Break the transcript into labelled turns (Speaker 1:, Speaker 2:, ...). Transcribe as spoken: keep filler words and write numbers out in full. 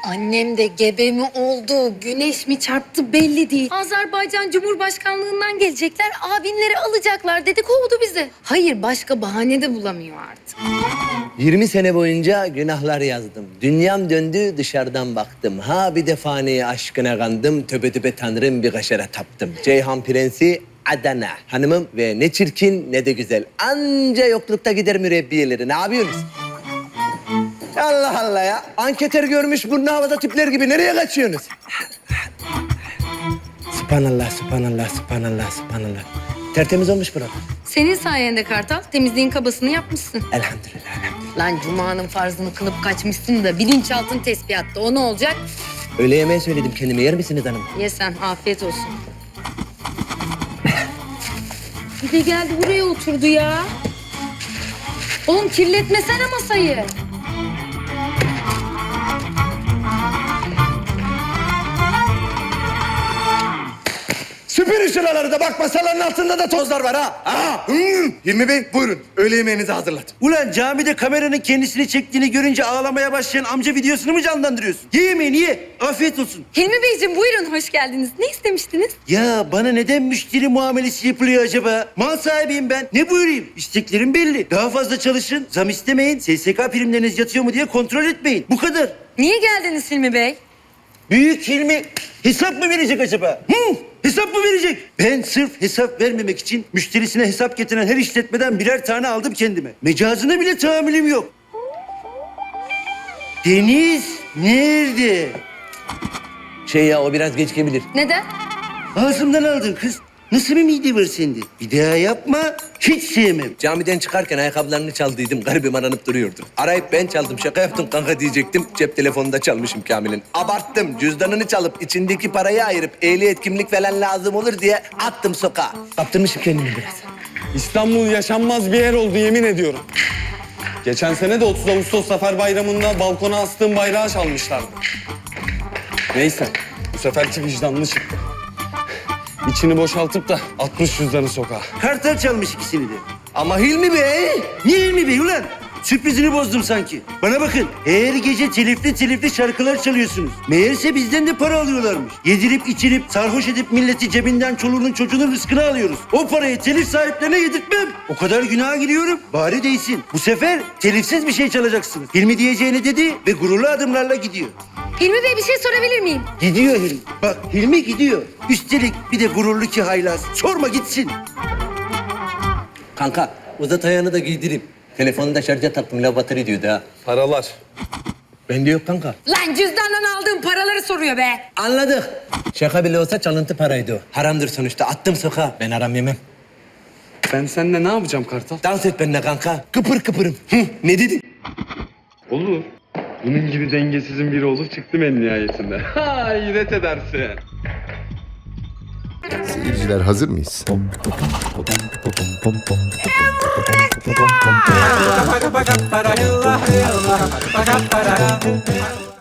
Speaker 1: Annem de gebe mi oldu, güneş mi çarptı belli değil. Azerbaycan Cumhurbaşkanlığından gelecekler, abinleri alacaklar dedi, kovdu bizi. Hayır, başka bahane de bulamıyor artık.
Speaker 2: yirmi sene boyunca günahlar yazdım. Dünyam döndü, dışarıdan baktım. Ha bir de fani aşkına kandım. Töbe töbe tanrım bir kaşara taptım. Ceyhan Prensi Adana. Hanımım ve ne çirkin ne de güzel. Anca yoklukta gider mürebbiyeleri. Ne yapıyorsunuz? Allah Allah ya. Anketör görmüş burnu havada tipler gibi. Nereye kaçıyorsunuz? Sübhanallah, sübhanallah, sübhanallah, sübhanallah. Tertemiz olmuş burada.
Speaker 1: Senin sayende Kartal, temizliğin kabasını yapmışsın.
Speaker 2: Elhamdülillah, elhamdülillah.
Speaker 1: Lan Cuma'nın farzını kılıp kaçmışsın da bilinçaltın tespihatta, o ne olacak?
Speaker 2: Öğle yemeği söyledim kendime. Yer misiniz hanım?
Speaker 1: Ye sen, afiyet olsun. Bir de geldi buraya oturdu ya. Oğlum kirletmesene masayı.
Speaker 2: Süpürün şuraları da bak masaların altında da tozlar var ha.
Speaker 3: Aa, hmm. Hilmi Bey buyurun. Öğle yemeğinizi hazırladım.
Speaker 4: Ulan camide kameranın kendisini çektiğini görünce ağlamaya başlayan amca videosunu mu canlandırıyorsun? Ye yemeğini ye. Afiyet olsun.
Speaker 1: Hilmi Beyciğim buyurun, hoş geldiniz. Ne istemiştiniz?
Speaker 4: Ya bana neden müşteri muamelesi yapılıyor acaba? Mal sahibiyim ben. Ne buyurayım? İsteklerim belli. Daha fazla çalışın, zam istemeyin, S S K primleriniz yatıyor mu diye kontrol etmeyin. Bu kadar.
Speaker 1: Niye geldiniz Hilmi Bey?
Speaker 4: Büyük Hilmi hesap mı verecek acaba? Hı? Hesap mı verecek? Ben sırf hesap vermemek için müşterisine hesap getiren her işletmeden birer tane aldım kendime. Mecazına bile tahammülüm yok. Deniz nerede?
Speaker 2: Şey ya o biraz geç gelebilir.
Speaker 1: Neden?
Speaker 4: Ağzımdan aldın kız. Nasıl bir mide var sende? Bir daha yapma. Hiç sevmem.
Speaker 2: Camiden çıkarken ayakkabılarını çaldıydım. Garibim aranıp duruyordu. Arayıp ben çaldım. Şaka yaptım kanka diyecektim. Cep telefonunu da çalmışım Kamil'in. Abarttım. Cüzdanını çalıp içindeki parayı ayırıp ehliyet kimlik falan lazım olur diye attım sokağa. Kaptırmışım kendimi biraz.
Speaker 5: İstanbul yaşanmaz bir yer oldu yemin ediyorum. Geçen sene de otuz Ağustos Zafer Bayramı'nda balkona astığım bayrağı çalmışlardı. Neyse, bu seferki vicdanlı çıktı. İçini boşaltıp da atmış cüzdanı sokağa.
Speaker 4: Kartal çalmış ikisini de.
Speaker 2: Ama Hilmi Bey...
Speaker 4: Niye Hilmi Bey ulan? Sürprizini bozdum sanki. Bana bakın, her gece telifli telifli şarkılar çalıyorsunuz. Meğerse bizden de para alıyorlarmış. Yedirip içirip, sarhoş edip milleti cebinden çoluğunun çocuğunun rızkını alıyoruz. O parayı telif sahiplerine yedirtmem. O kadar günaha giriyorum, bari değsin. Bu sefer telifsiz bir şey çalacaksınız. Hilmi diyeceğini dedi ve gururlu adımlarla gidiyor.
Speaker 1: Hilmi Bey bir şey sorabilir miyim?
Speaker 4: Gidiyor Hilmi. Bak Hilmi gidiyor. Üstelik bir de gururlu ki haylaz. Sorma gitsin.
Speaker 2: Kanka uzat ayağını da giydireyim. Telefonu da şarja taktım. Lav batarya diyordu ha.
Speaker 5: Paralar.
Speaker 2: Bende yok kanka.
Speaker 1: Lan cüzdandan aldığım paraları soruyor be.
Speaker 2: Anladık. Şaka bile olsa çalıntı paraydı o. Haramdır sonuçta. Attım sokağa. Ben haram yemem.
Speaker 5: Ben seninle ne yapacağım Kartal?
Speaker 2: Dans et benimle kanka. Kıpır kıpırım. Hı, ne dedin?
Speaker 5: Olur. Bunun gibi dengesizin biri olup çıktım en nihayetinde. Ha, hayret edersin.
Speaker 6: Seyirciler hazır mıyız?